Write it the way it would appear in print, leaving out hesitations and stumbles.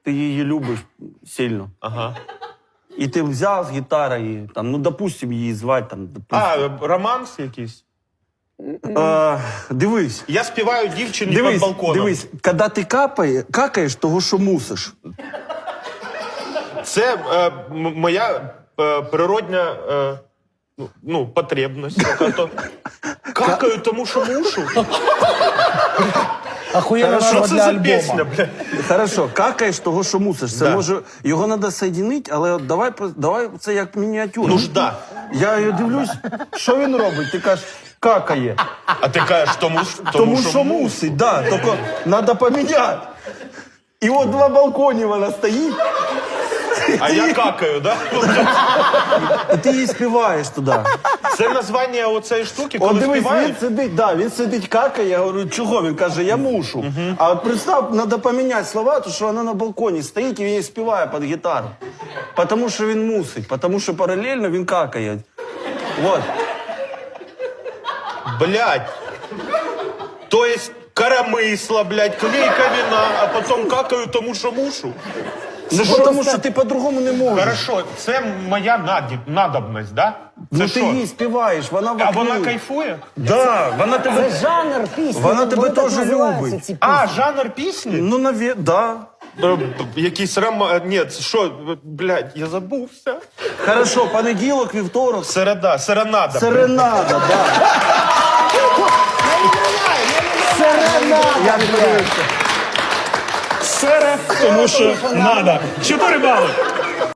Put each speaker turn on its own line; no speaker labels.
ти її любиш сильно.
Ага.
І ти взяв з гітари і, там, ну, допустим, її звати, там, допустим.
Романс якийсь?
Дивись.
Я співаю дівчині під балконом.
Дивись, коли ти какаєш, того, що мусиш.
Це моя природня потребність. Какаю, тому що мушу.
Охуєнна
Що
назва
це
для
за
альбома.
пісня, бля?
Хорошо, какаєш того, що мусиш. Це
Да.
може, його треба соєдинити, але от давай це як мініатюра.
Нужда.
Я її дивлюсь, що він робить? Ти кажеш, какає.
А ти кажеш,
Тому що мусить, да, тільки треба поміняти. І от на балконі вона стоїть,
А я какаю, да?
і ти її співаєш туди.
Це названня оцеї штуки,
От
коли
дивись,
співають?
він сидить какає, я говорю, чого? Він каже, я мушу. А от представ, треба поміняти слова, тому що вона на балконі стоїть і він її співає під гітару. Тому що він мусить, тому що паралельно він какає. Вот.
Блядь. То есть коромисла, блядь, клейка вина, а потім какаю, тому що мушу.
Ну, тому що ти по-другому не можеш.
Хорошо, це моя надобність, да?
Ну
Це
ти
що?
її співаєш, вона в
А
окні.
вона кайфує?
Да, вона тебе...
Це жанр пісні.
Вона тебе
вони так
теж
називаються,
любить.
ці пісні.
А, жанр пісні?
Ну, да.
Якийсь Ні, що, блядь, я забувся.
Хорошо, понеділок, вівторок.
Серенада.
Серенада, да. Я не подивився.
Сере, тому що надо. 4 бали.